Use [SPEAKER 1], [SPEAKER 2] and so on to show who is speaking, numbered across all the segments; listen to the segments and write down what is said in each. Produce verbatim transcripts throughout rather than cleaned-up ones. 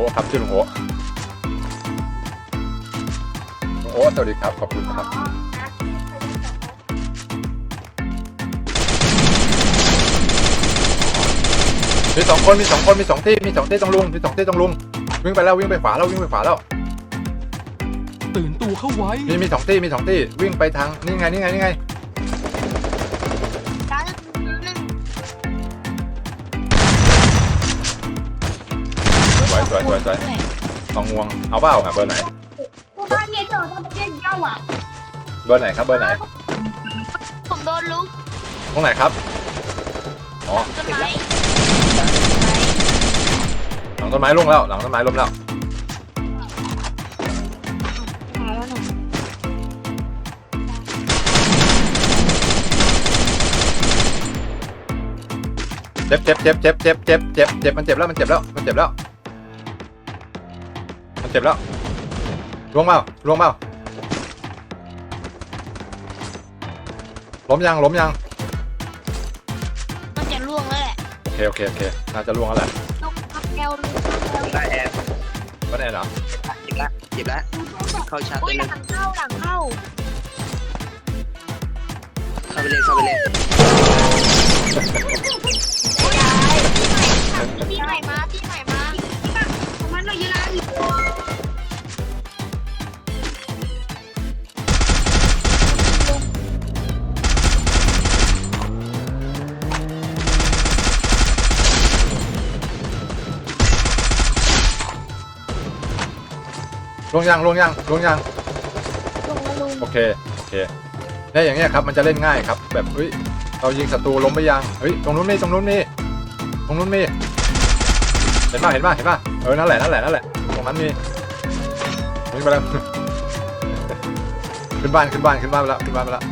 [SPEAKER 1] ครับชื่อลุงโอลุงโอสวัสดีครับขอบคุณครับมีสองคนมีสองคนมีสองที่มีสองที่ต้องลุงมีสองที่ต้องลุงวิ่งไปแล้ววิ่งไปขวาแล้ววิ่งไปขวาแล้ว
[SPEAKER 2] ตื่นตัวเข้าไว้
[SPEAKER 1] มีมีสองที่มีสองที่วิ่งไปทางนี่ไงนี่ไงนี่ไงสวยสวยสวยสวยสองงวงเอาเปล่าอ่ะเบอร์ไหนเบอร์ไหนครับเบอร์ไหน
[SPEAKER 3] ผมโดนลุก
[SPEAKER 1] ตรงไหนครับอ๋อหลังต้นไม้ลงแล้วหลังต้นไม้ล้มแล้วเจ็บเจ็บเจ็บเจ็บเจ็บเจ็บเจ็บเจ็บมันเจ็บแล้วมันเจ็บแล้วมันเจ็บแล้วมันเจ็บแล้วล่วงเปล่าล่วงเปล่าล้มยังล้มยัง
[SPEAKER 3] มันจะล่วงแล้วแหละ
[SPEAKER 1] โอเคโอเคโอเคน่าจะล่วงแล้วแหละ
[SPEAKER 3] ลูกพับแก้วลูก
[SPEAKER 4] ได้แอบ
[SPEAKER 1] ก็ได้เหรอ
[SPEAKER 4] หยิบละหยิบละเข้าชาร์จ
[SPEAKER 3] โอ้ย
[SPEAKER 4] เลย
[SPEAKER 3] หลังเข้าหลังเข้า
[SPEAKER 4] เข้าไปเลยเข้าไปเลย
[SPEAKER 3] โอ้ยที่ใหม่มาที่ใหม่มามันเราเยอะแล้ว
[SPEAKER 1] ลงยังลงยังลงยังโอเคโอเคเนี่ยอย่างเงี้ยครับมันจะเล่นง่ายครับแบบเฮ้ยเรายิงศัตรูล้มไปยังเฮ้ยตรงนู้นมีตรงนู้นมีตรงนู้นมีเห็นป่ะเห็นป่ะเห็นป่ะเออนั่นแหละนั่นแหละนั่นแหละตรงนั้นมีวิ่งไปแล้วขึ้นบ้านขึ้นบ้านขึ้นบ้านไปแล้วขึ้นบ้านไปแล้ว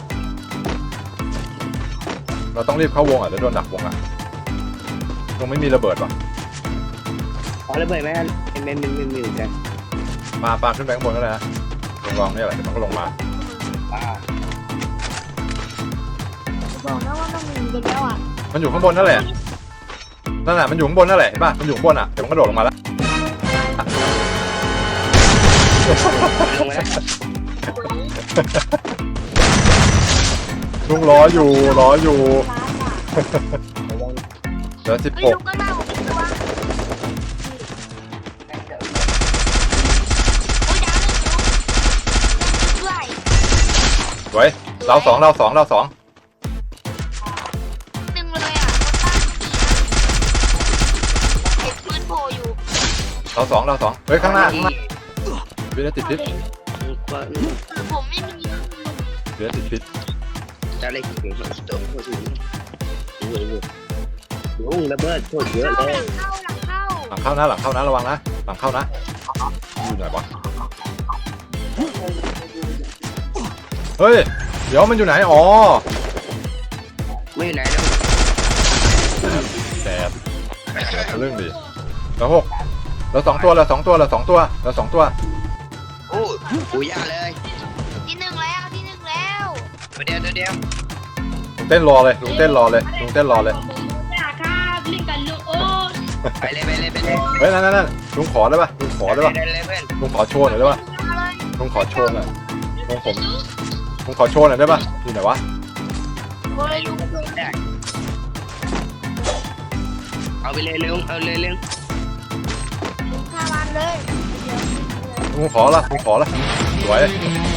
[SPEAKER 1] เราต้องรีบเข้าวงอ่ะเดี๋ยวโดนดักวงอ่ะตรงไม่มีระเบิดว่ะ
[SPEAKER 4] อ๋อระเบิดไหมเป็นเป็นเป็นเป็นอยู่กัน
[SPEAKER 1] มาปาขึ้นไปข้างบนก็ได้นะลงรองนี่แหละเดี๋ยวมันก็ลงมา
[SPEAKER 3] บอกนะว่าต้องมีไปแล้วอ่ะ
[SPEAKER 1] มันอยู่ข้างบนนั่นแหละนั่นแหละมันอยู่ข้างบนนั่นแหละเห็นป่ะมันอยู่ข้างบนอ่ะเดี๋ยวมันก็โดดลงมาแล้วลุงรออยู่รออยู่เดี๋ยวสิบหกสวยเราสองเราสองเราสอง
[SPEAKER 3] หนึ่งเลยอ่ะเห็นปืนโผล่อยู่
[SPEAKER 1] เราสองเราสองเฮ้ยข้างหน้าข้างหน้าเบียร์ติดพิษ
[SPEAKER 3] ผมไม่มี
[SPEAKER 1] เบียร์ติดพิษ
[SPEAKER 4] จะเล่นถึงตัวตัวถึงโอ้โหโอ้ระเบิดโคตรเยอะเลย
[SPEAKER 3] หลังเข้าหลังเข้า
[SPEAKER 1] หลังเข้านะหลังเข้านะระวังนะหลังเข้านะอยู่ไหนวะเฮ้ยเดี๋ยวมันอยู่ไหนอ๋อ
[SPEAKER 4] ไม่อยู่ไหนแล้ว
[SPEAKER 1] แสบเรื่องดีแล้วหกเราสองตัวเราสองตัวเราสองตัวเราสองตัว
[SPEAKER 4] โอ้โหยากเลย
[SPEAKER 3] ที่หนึ่งแล้วที่หนึ่งแล้ว
[SPEAKER 4] ตัวเดียวตัวเดียว
[SPEAKER 1] ลุงเต้นรอเลยลุงเต้นรอเลยลุงเต้นรอเลย
[SPEAKER 4] ไปเลยไปเลยไปเลย
[SPEAKER 1] เฮ้ยนั่นนั่นนั่นลุงขอได้ป่ะลุงขอได้ป่ะลุงขอโชว์หน่อยได้ป่ะลุงขอโชว์หน่อยลุงผมลุงขอโชว์หน่อยได้ป่ะอยู่ไหนวะ
[SPEAKER 4] เอาไปเลยเร็วเอาเลยเร็ว
[SPEAKER 3] ข้าวันเลย
[SPEAKER 1] ลุงขอละลุงขอละสวย